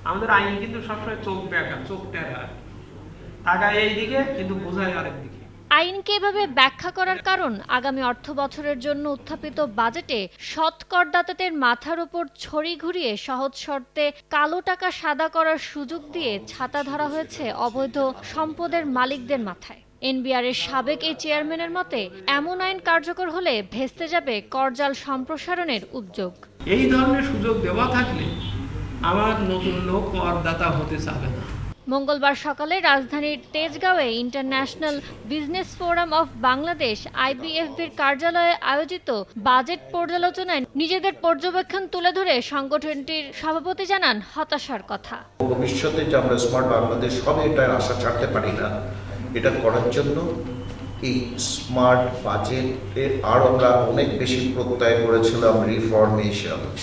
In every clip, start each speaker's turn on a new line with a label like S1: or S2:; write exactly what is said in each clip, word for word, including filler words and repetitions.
S1: আমাদের আইন কিন্তু সবসময় চোখ ব্যাকা চোখ টেরা তাকায় এইদিকে কিন্তু বোঝায় আরেক দিকে।
S2: আইনকে এভাবে ব্যাখ্যা করার কারণ, আগামী অর্থ বছরের জন্য উত্থাপিত বাজেটে সৎ করদাতাদের মাথার উপর ছড়ি ঘুরিয়ে সহজ শর্তে কালো টাকা সাদা করার সুযোগ দিয়ে ছাতা ধরা হয়েছে অবৈধ সম্পদের মালিকদের মাথায়। এনবিআর এর সাবেক এই চেয়ারম্যানের মতে, এমন আইন কার্যকর হলে ভেস্তে যাবে করজাল সম্প্রসারণের উদ্যোগ।
S1: এই ধরনের সুযোগ দেওয়া থাকলে আমার নতুন লোক করদাতা হতে চাবে না।
S2: মঙ্গলবার সকালে রাজধানীর তেজগাঁওয়ে international business forum of Bangladesh আইবিএফবির কার্যালয়ে আয়োজিত বাজেট পর্যালোচনায় নিজেদের পর্যবেক্ষণ তুলে ধরে সংগঠনটির সভাপতি জানান হতাশার কথা।
S3: ভবিষ্যতে যে আমরা স্মার্ট বাংলাদেশ হবে এটার আশা ছাড়তে পারি না। এটা করার জন্য এই স্মার্ট বাজেটে আর আমরা অনেক বেশি প্রত্যয় করেছিলাম রিফরমেশনস।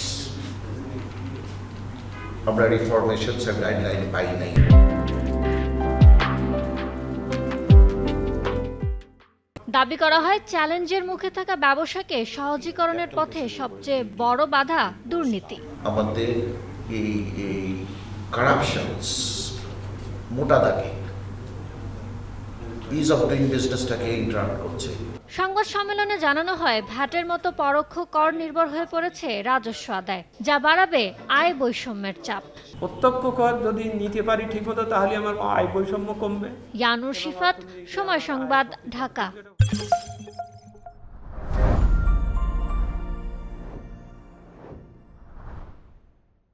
S3: আমরা রিফরমেশনস এর গাইডলাইন পাই নাই।
S2: দাবি করা হয়, চ্যালেঞ্জের মুখে থাকা ব্যবসাকে সহজীকরণের পথে সবচেয়ে বড় বাধা দুর্নীতি।
S3: আমাদের এই এই কারাপশনস মোটা দাগে ইজ অফ ডুইং বিজনেসটাকে ইন্টারাপ্ট করছে।
S2: সংবাদ সম্মেলনে জানানো হয়, ভ্যাটের মতো পরোক্ষ কর নির্ভর হয়ে পড়েছে রাজস্ব আদায়, যা বাড়াবে আয় বৈষম্যের চাপ।
S1: প্রত্যক্ষ কর যদি নিতে পারি ঠিকমতো তাহলে আমার আয় বৈষম্য কমবে।
S2: ইয়ানুর শিফাত, সময় সংবাদ, ঢাকা।